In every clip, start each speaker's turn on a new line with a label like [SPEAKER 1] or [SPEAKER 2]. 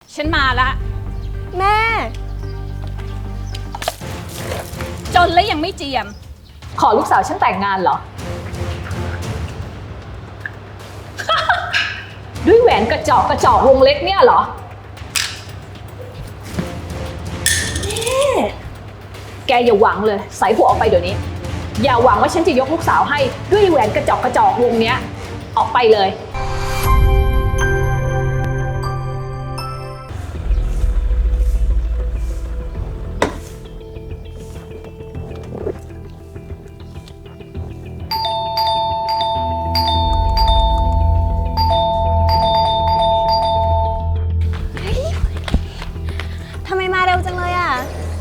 [SPEAKER 1] ฉันมาละ
[SPEAKER 2] แม่
[SPEAKER 1] จนแล้วยังไม่เจียมขอลูกสาวฉันแต่งงานเหรอ ด้วยแหวนกระจอกวงเล็กเนี่ยเหรอแกอย่าหวังเลยใส่หัวออกไปเดี๋ยวนี้อย่าหวังว่าฉันจะยกลูกสาวให้ด้วยแหวนกระจอกวงเนี้ยออกไปเลย
[SPEAKER 2] ทำไมมาเร็วจังเลยอ่ะ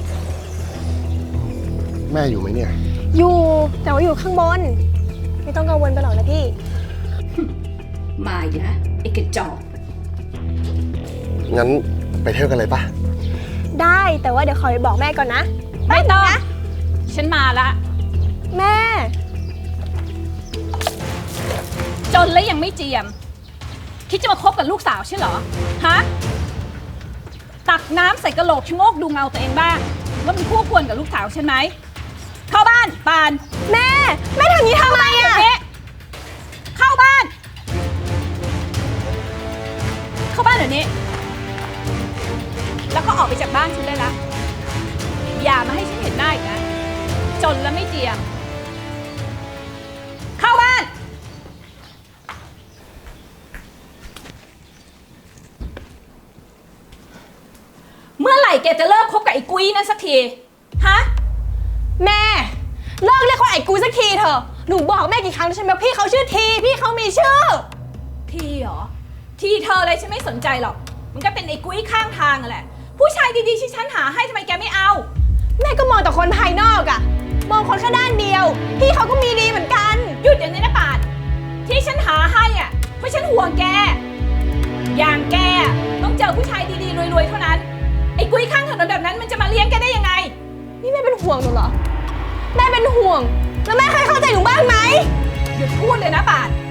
[SPEAKER 3] แม่อยู่ไหมเนี่ย
[SPEAKER 2] อยู่แต่ว่าอยู่ข้างบน ไม่ต้องกังวลไปหรอกนะพี่
[SPEAKER 1] มาอีกแล้วไอ้กระจอก
[SPEAKER 3] งั้นไปเที่ยวกันเลยปะ
[SPEAKER 2] ได้แต่ว่าเดี๋ยวขอไปบอกแม่ก่อนนะ
[SPEAKER 1] ไม่ต้องฉันมาละ
[SPEAKER 2] แม่
[SPEAKER 1] จนแล้วยังไม่เจียมคิดจะมาคบกับลูกสาวใช่เหรอฮะตักน้ำใส่กระโหลกชะโงกดูเงาตัวเองบ้างว่ามันคู่ควรกับลูกสาวฉันไหมเข้าบ้านปาน
[SPEAKER 2] แม่ทำอย่างนี้ทำไมอ่ะ
[SPEAKER 1] เข้าบ้านเข้าบ้านเดี๋ยวนี้แล้วก็ออกไปจากบ้านฉันได้ละอย่ามาให้ฉันเห็นหน้าอีกนะจนแล้วไม่เจียมเข้าบ้านเมื่อไหร่แกจะเลิกคบกับไอ้กุ้ยนั่นสักทีฮะ
[SPEAKER 2] แม่เลิกเรียกเขาไอ้กูสักทีเถอะหนูบอกแม่กี่ครั้งแล้วใช่ไหมว่าพี่เขาชื่อทีพี่เขามีชื่อ
[SPEAKER 1] ทีเหรอทีเธออะไรฉันไม่สนใจหรอกมันก็เป็นไอ้กุ้ยข้างทางอะแหละผู้ชายดีๆที่ฉันหาให้ทำไมแกไม่เอา
[SPEAKER 2] แม่ก็มองแต่คนภายนอกอะมองคนแค่ด้านเดียวพี่เขาก็มีดีเหมือนกัน
[SPEAKER 1] หยุดอย่างนี้นะปาดที่ฉันหาให้อ่ะเพราะฉันห่วงแกอย่างแกต้องเจอผู้ชายดีๆรวยๆเท่านั้นไอ้กุ้ยข้างถนนแบบนั้นมันจะมาเลี้ยงแกได้ยังไง
[SPEAKER 2] นี่แม่เป็นห่วงหนูเหรอแม่เป็นห่วงแล้วแม่เคยเข้าใจหนูบ้างไหม
[SPEAKER 1] หยุดพูดเลยนะปาด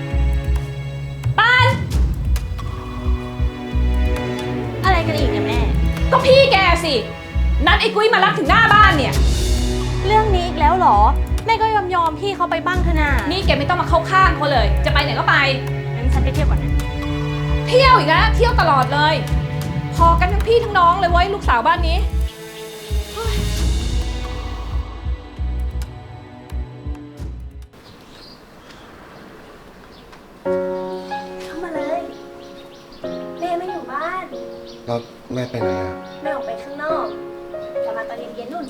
[SPEAKER 2] อะไรกันอีกเนี่ยแม่
[SPEAKER 1] ก็พี่แกสินัดไอ้กุ้ยมารับถึงหน้าบ้านเนี่ย
[SPEAKER 2] เรื่องนี้อีกแล้วเหรอแม่ก็ยอมพี่เขาไปบ้างเถอะนะ
[SPEAKER 1] นี่แกไม่ต้องมาเข้าข้างเขาเลยจะไปไหนก็ไป
[SPEAKER 2] งั้นฉันไปเที่ยวก่อนนะ
[SPEAKER 1] เที่ยวอีกแล้วเที่ยวตลอดเลยพอกันทั้งพี่ทั้งน้องเลยเว้ยลูกสาวบ้านนี้
[SPEAKER 2] เข้ามาเลยแม่ไม่อยู่บ้าน
[SPEAKER 3] แล้วแม่ไปไหนอะ
[SPEAKER 2] แม่ออกไปข้างนอกกลับมาตอนเย็นๆนู่น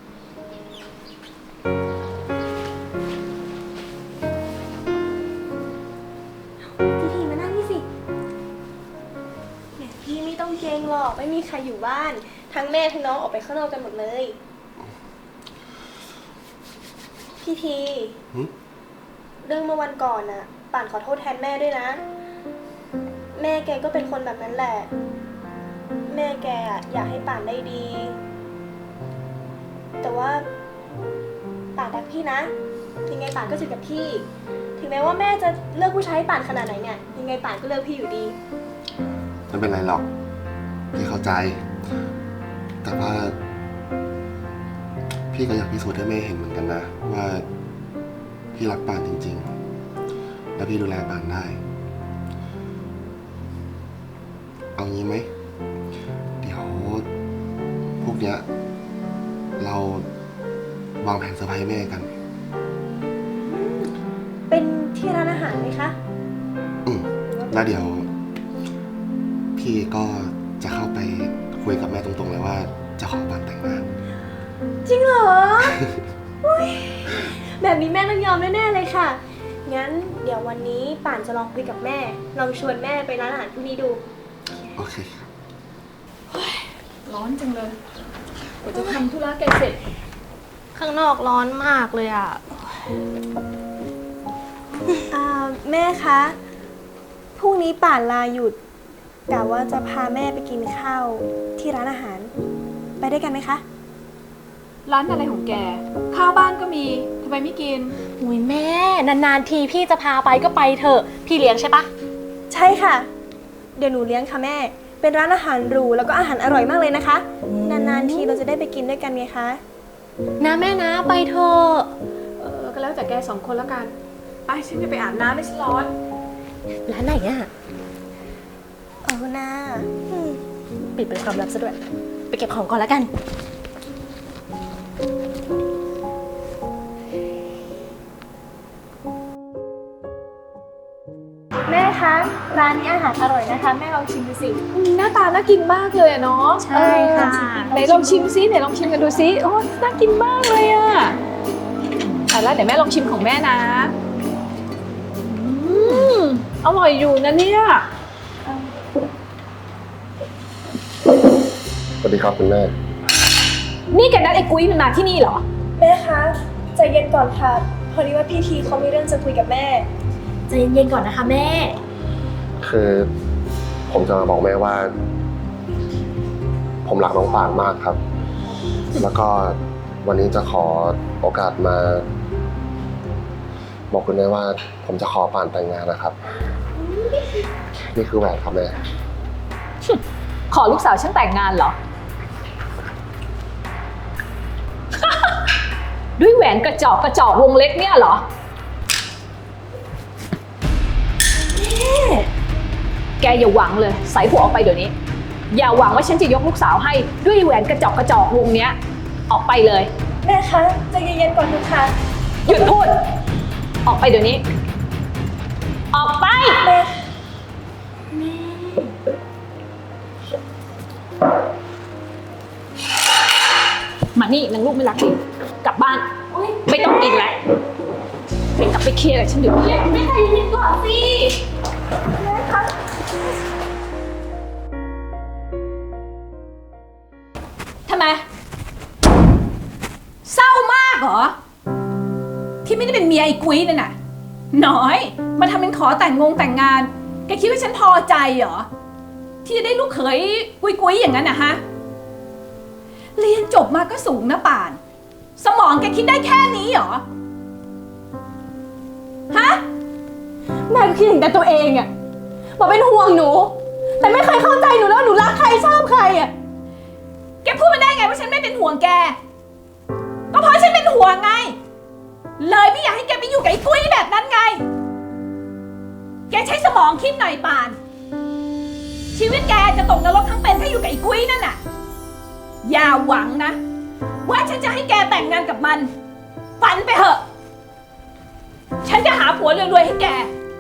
[SPEAKER 2] พี่มานั่งนี่สิแหมพี่ไม่ต้องเกรงหรอกไม่มีใครอยู่บ้านทั้งแม่ทั้งน้องออกไปข้างนอกกันหมดเลยพี่ที
[SPEAKER 3] หึ
[SPEAKER 2] เรื่องเมื่อวันก่อนน่ะป่านขอโทษแทนแม่ด้วยนะ แม่แกก็เป็นคนแบบนั้นแหละ แม่แกอยากให้ป่านได้ดี แต่ว่าป่านรักพี่นะยังไงป่านก็จะกับพี่ ถึงแม้ว่าแม่จะเลือกผู้ชายให้ป่านขนาดไหนเนี่ยยังไงป่านก็เลือกพี่อยู่ดี
[SPEAKER 3] ไม่เป็นไรหรอก พี่เข้าใจ แต่ว่า พี่ก็อยากพิสูจน์ให้แม่เห็นเหมือนกันนะ ว่าพี่รักปานจริงๆ และพี่ดูแลปานได้ เอางี้ไหม เดี๋ยวพวกเนี้ยเราวางแผนเซอร์ไพรส์แม่กัน
[SPEAKER 2] เป็นที่ร้านอาหารไหมคะ
[SPEAKER 3] แล้วเดี๋ยว พี่ก็จะเข้าไปคุยกับแม่ตรงๆเลยว่าจะขอปานแต่งงาน
[SPEAKER 2] จริงเหรอ อุ๊ยแบบนี้แม่ต้องยอมแน่ๆเลยค่ะ งั้นเดี๋ยววันนี้ป่านจะลองคุยกับแม่ ลองชวนแม่ไปร้านอาหารพรุ่งนี้ดู
[SPEAKER 3] โอเคครับ
[SPEAKER 1] ร้อนจังเลยกว่าจะทำธุระแกเสร็จ
[SPEAKER 2] ข้างนอกร้อนมากเลยอ่ะ แม่คะ พรุ่งนี้ป่านลาหยุดกะว่าจะพาแม่ไปกินข้าวที่ร้านอาหาร ไปด้วยกันไหมคะ
[SPEAKER 1] ร้านอะไรของแกข้าวบ้านก็มีทำไมไม่กิน
[SPEAKER 4] อุ้ยแม่นานๆทีพี่จะพาไปก็ไปเถอะพี่เลี้ยงใช่ปะ
[SPEAKER 2] ใช่ค่ะ เดี๋ยวหนูเลี้ยงค่ะแม่เป็นร้านอาหารหรูแล้วก็อาหารอร่อยมากเลยนะคะ นานๆทีเราจะได้ไปกินด้วยกันไงคะ
[SPEAKER 4] นะแม่นะไปเถอะ
[SPEAKER 1] ก็แล้วแต่แก2 คนแล้วกัน ไปฉันจะไปอาบน้ำไม่ฉันร้อน
[SPEAKER 4] ร้านไหนอะ
[SPEAKER 2] นะ
[SPEAKER 4] ปิดเป็นความลับซะด้วย ไปเก็บของก่อนแล้วกัน
[SPEAKER 2] แม่คะ ร้านนี้อาหารอร่อยนะคะ แม่ลองชิมดูสิ
[SPEAKER 1] หน้าตาน่ากินมากเลยอะเนาะ
[SPEAKER 4] ใช่ค่ะ
[SPEAKER 1] ไหนลองชิมซิไหนลองชิมกันดูซิโอ้น่ากินมากเลยอะแต่แล้วเดี๋ยวแม่ลองชิมของแม่นะอร่อยอยู่นะเนี่ย
[SPEAKER 3] สวัสดีครับคุณแม่
[SPEAKER 1] นี่แกนัดไอ้กุ้ยมันมาที่นี่เหรอ
[SPEAKER 2] แม่คะใจเย็นก่อนค่ะ พอดีว่าพี่ทีเขามีเรื่องจะคุยกับแม่
[SPEAKER 4] ใจเย็นๆก่อนนะคะแม่
[SPEAKER 3] คือผมจะมาบอกแม่ว่า ผมรักน้องป่านมากครับ แล้วก็วันนี้จะขอโอกาสมา บอกคุณแม่ว่า ผมจะขอป่านแต่งงานนะครับ นี่คือแหวนครับแม่
[SPEAKER 1] ขอลูกสาวฉันแต่งงานเหรอ ด้วยแหวนกระจอกวงเล็กเนี่ยเหรอแกอย่าหวังเลยใส่หัวออกไปเดี๋ยวนี้ อย่าหวังว่าฉันจะยกลูกสาวให้ด้วยแหวนกระจอกวงเนี้ยออกไปเลย
[SPEAKER 2] แม่คะใจเย็นๆก่อนเถอะค่ะ
[SPEAKER 1] หยุดพูด ออกไปเดี๋ยวนี้ ออกไป
[SPEAKER 2] แม่
[SPEAKER 1] มานี่นางลูกไม่รักดิกลับบ้าน ไม่ต้องกินแล้วไปกลับไปเคลียร์กับฉันเดี๋ยวนี้ไม่ใจเย็นก่อนสิแม่คะทำไม เศร้ามากเหรอ ที่ไม่ได้เป็นเมียไอ้กุ้ยนั่นน่ะน้อยมาทำเป็นขอแต่งงานแกคิดว่าฉันพอใจเหรอ ที่จะได้ลูกเขยกุ้ยอย่างนั้นนะฮะ เรียนจบมาก็สูงนะป่าน สมองแกคิดได้แค่นี้เหรอ ฮะ
[SPEAKER 2] แม่ก็คิดถึงแต่ตัวเองอะบอกเป็นห่วงหนู แต่ไม่เคยเข้าใจหนูแล้วหนูรักใครชอบใครอะ
[SPEAKER 1] แกพูดมาได้ไงว่าฉันไม่เป็นห่วงแก ก็เพราะฉันเป็นห่วงไง เลยไม่อยากให้แกไปอยู่กับไอ้กุ้ยแบบนั้นไง แกใช้สมองคิดหน่อยป่าน ชีวิตแกจะตกนรกทั้งเป็นถ้าอยู่กับไอ้กุ้ยนั่นน่ะ อย่าหวังนะ ว่าฉันจะให้แกแต่งงานกับมัน ฝันไปเถอะ ฉันจะหาผัวรวยๆให้แก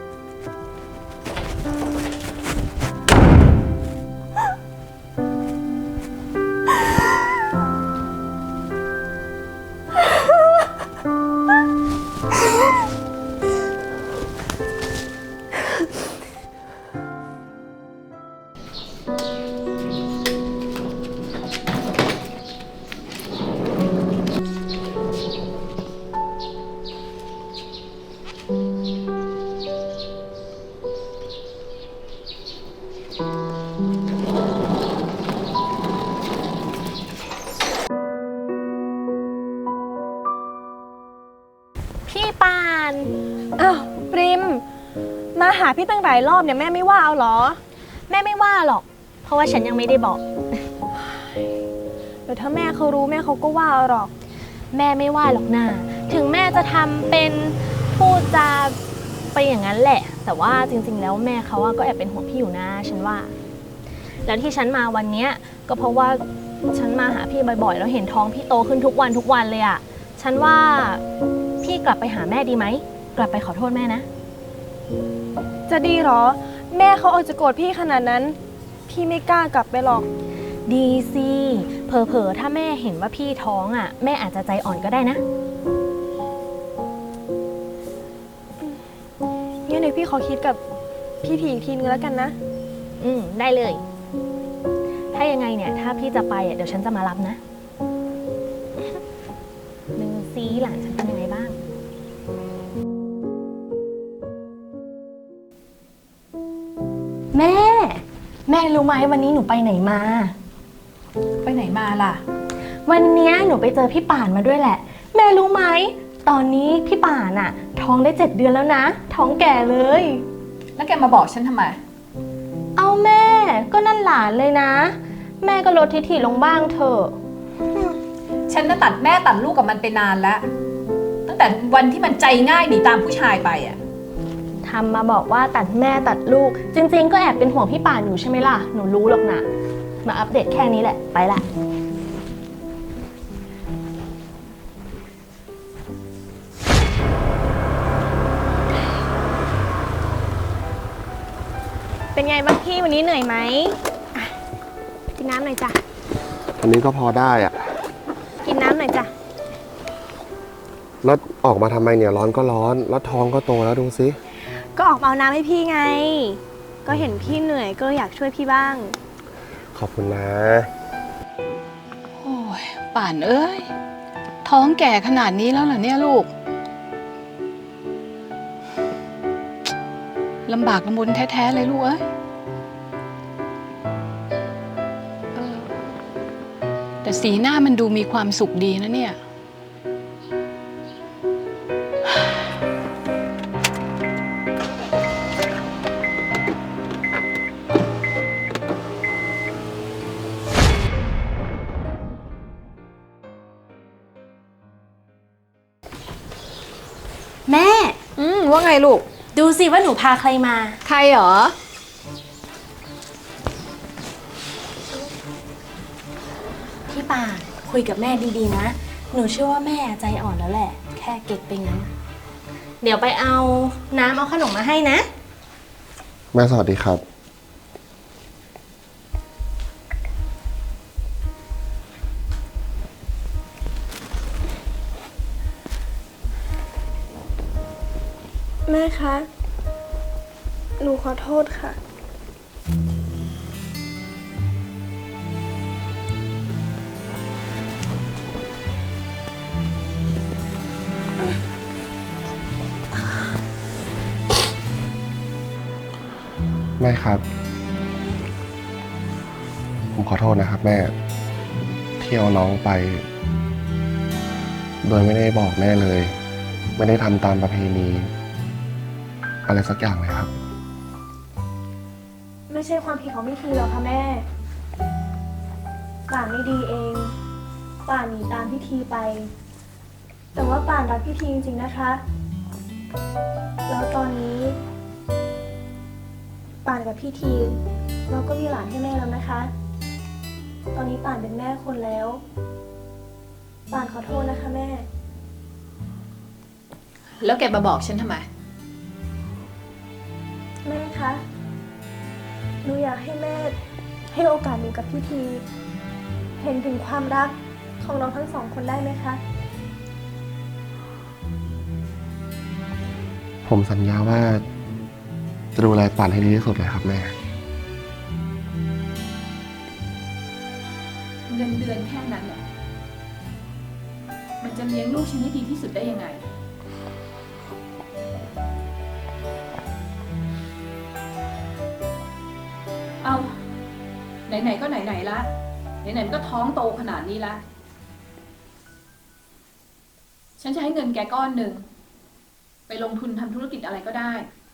[SPEAKER 4] พี่ปาน
[SPEAKER 2] อ้าวปริม มาหาพี่ตั้งหลายรอบเนี่ยแม่ไม่ว่าเอาเหรอ
[SPEAKER 4] แม่ไม่ว่าหรอก เพราะว่าฉันยังไม่ได้บอก
[SPEAKER 2] เดี๋ยวถ้าแม่เขารู้แม่เขาก็ว่าเอาหรอก
[SPEAKER 4] แม่ไม่ว่าหรอกนะถึงแม่จะทำเป็นพูดจาไปอย่างนั้นแหละ แต่ว่าจริงๆแล้วแม่เขาก็แอบเป็นห่วงพี่อยู่นะฉันว่า แล้วที่ฉันมาวันเนี้ยก็เพราะว่าฉันมาหาพี่บ่อยๆแล้วเห็นท้องพี่โตขึ้นทุกวันเลยอะฉันว่าพี่กลับไปหาแม่ดีไหมกลับไปขอโทษแม่นะ
[SPEAKER 2] จะดีเหรอ แม่เขาเอาจะโกรธพี่ขนาดนั้น พี่ไม่กล้ากลับไปหรอก
[SPEAKER 4] ดีสิเผลอๆถ้าแม่เห็นว่าพี่ท้องอ่ะแม่อาจจะใจอ่อนก็ได้นะ
[SPEAKER 2] งั้นเดี๋ยวพี่ขอคิดกับพี่ทีอีกทีนึงแล้วกันนะ
[SPEAKER 4] ได้เลย ถ้ายังไงเนี่ยถ้าพี่จะไปอ่ะเดี๋ยวฉันจะมารับนะดูซิหลานฉันเป็นยังไงบ้าง แม่รู้ไหมวันนี้หนูไปไหนมา
[SPEAKER 1] ไปไหนมาล่ะ
[SPEAKER 4] วันเนี้ยหนูไปเจอพี่ป่านมาด้วยแหละ แม่รู้ไหมตอนนี้พี่ป่านอะท้องได้7 เดือนแล้วนะ ท้องแก่เลย
[SPEAKER 1] แล้วแกมาบอกฉันทำไม
[SPEAKER 4] เอาแม่ ก็นั่นหลานเลยนะ แม่ก็ลดทิฐิลงบ้างเถอะ
[SPEAKER 1] ฉันน่ะตัดแม่ตัดลูกกับมันไปนานแล้ว ตั้งแต่วันที่มันใจง่ายหนีตามผู้ชายไปอ่ะ
[SPEAKER 4] ทำมาบอกว่าตัดแม่ตัดลูก จริงๆ ก็แอบเป็นห่วงพี่ป่านอยู่ใช่ไหมล่ะ หนูรู้หรอกนะ มาอัปเดตแค่นี้แหละ ไปละ
[SPEAKER 2] เป็นไงบ้างพี่วันนี้เหนื่อยไหมอ่ะกินน้ำหน่อยจ้ะ
[SPEAKER 3] อันนี้ก็พอได้อะ
[SPEAKER 2] กินน้ำหน่อยจ้ะ
[SPEAKER 3] แล้วออกมาทำไมเนี่ยร้อนก็ร้อน แล้วท้องก็โตแล้วดูสิ
[SPEAKER 2] ก็ออกมาเอาน้ำให้พี่ไง ก็เห็นพี่เหนื่อยก็อยากช่วยพี่บ้าง
[SPEAKER 3] ขอบคุณนะ
[SPEAKER 5] โอ้ยป่านเอ้ย ท้องแก่ขนาดนี้แล้วเหรอเนี่ยลูก ลำบากลำบนแท้ๆเลยลูกเอ้ยเออแต่สีหน้ามันดูมีความสุขดีนะเนี่ย
[SPEAKER 2] แม่
[SPEAKER 1] ว่าไงลูก
[SPEAKER 2] ดูสิว่าหนูพาใครมา
[SPEAKER 1] ใครเหรอ
[SPEAKER 2] พี่ป่านคุยกับแม่ดีๆนะ หนูเชื่อว่าแม่ใจอ่อนแล้วแหละ แค่เก็กไปงั้น เดี๋ยวไปเอาน้ำเอาขนมมาให้นะ
[SPEAKER 3] แม่สวัสดีครับ
[SPEAKER 2] แม่คะ หนูขอโทษค่ะ
[SPEAKER 3] แม่ครับ ผมขอโทษนะครับแม่ที่เอาน้องไป โดยไม่ได้บอกแม่เลย ไม่ได้ทำตามประเพณีอะไรสักอย่างเลยครับ
[SPEAKER 2] ไม่ใช่ความผิดของพี่ทีหรอกค่ะแม่ ป่านไม่ดีเอง ป่านหนีตามพี่ทีไป แต่ว่าป่านรักพี่ทีจริงๆนะคะ แล้วตอนนี้ ป่านกับพี่ทีเราก็มีหลานให้แม่แล้วนะคะ ตอนนี้ป่านเป็นแม่คนแล้ว ป่านขอโทษนะคะแม่
[SPEAKER 1] แล้วแกมาบอกฉันทำไม
[SPEAKER 2] แม่คะ หนูอยากให้แม่ให้โอกาสหนูกับพี่ที เห็นถึงความรักของเราทั้งสองคนได้ไหมคะ
[SPEAKER 3] ผมสัญญาว่าจะดูแลป่านให้ดีที่สุดเลยครับแม่
[SPEAKER 1] เงินเดือนแค่นั้นเหรอ มันจะเลี้ยงลูกฉันให้ดีที่สุดได้ยังไง เอาไหนๆก็ไหนๆละไหนๆมันก็ท้องโตขนาดนี้ละ ฉันจะให้เงินแกก้อนหนึ่ง ไปลงทุนทำธุรกิจอะไรก็ได้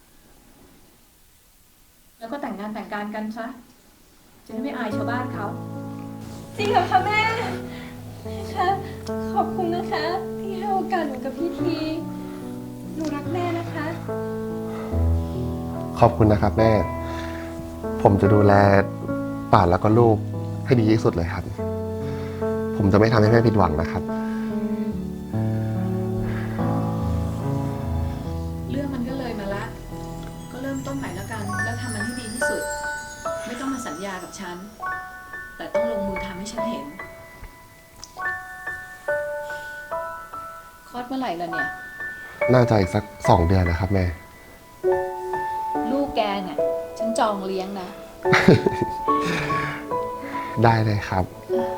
[SPEAKER 1] แล้วก็แต่งงานแต่งการกันซะ จะได้ไม่อายชาวบ้านเขา
[SPEAKER 2] จริงเหรอคะแม่แม่คะ ขอบคุณนะคะ ที่ให้โอกาสหนูกับพี่ที หนูรักแม่นะคะ
[SPEAKER 3] ขอบคุณนะครับแม่ ผมจะดูแลป่านแล้วก็ลูกให้ดีที่สุดเลยครับ ผมจะไม่ทำให้แม่ผิดหวังนะครับ
[SPEAKER 1] เรื่องมันก็เลยมาละ ก็เริ่มต้นใหม่แล้วกัน แล้วทำมันให้ดีที่สุด ไม่ต้องมาสัญญากับฉัน แต่ต้องลงมือทำให้ฉันเห็น คลอดเมื่อไหร่ล่ะเนี่ย
[SPEAKER 3] น่าจะอีกสัก2 เดือนนะครับแม่
[SPEAKER 1] ลูกแกเนี่ย ฉันจองเลี้ยงนะ
[SPEAKER 3] ได้เลยครับ
[SPEAKER 1] เออ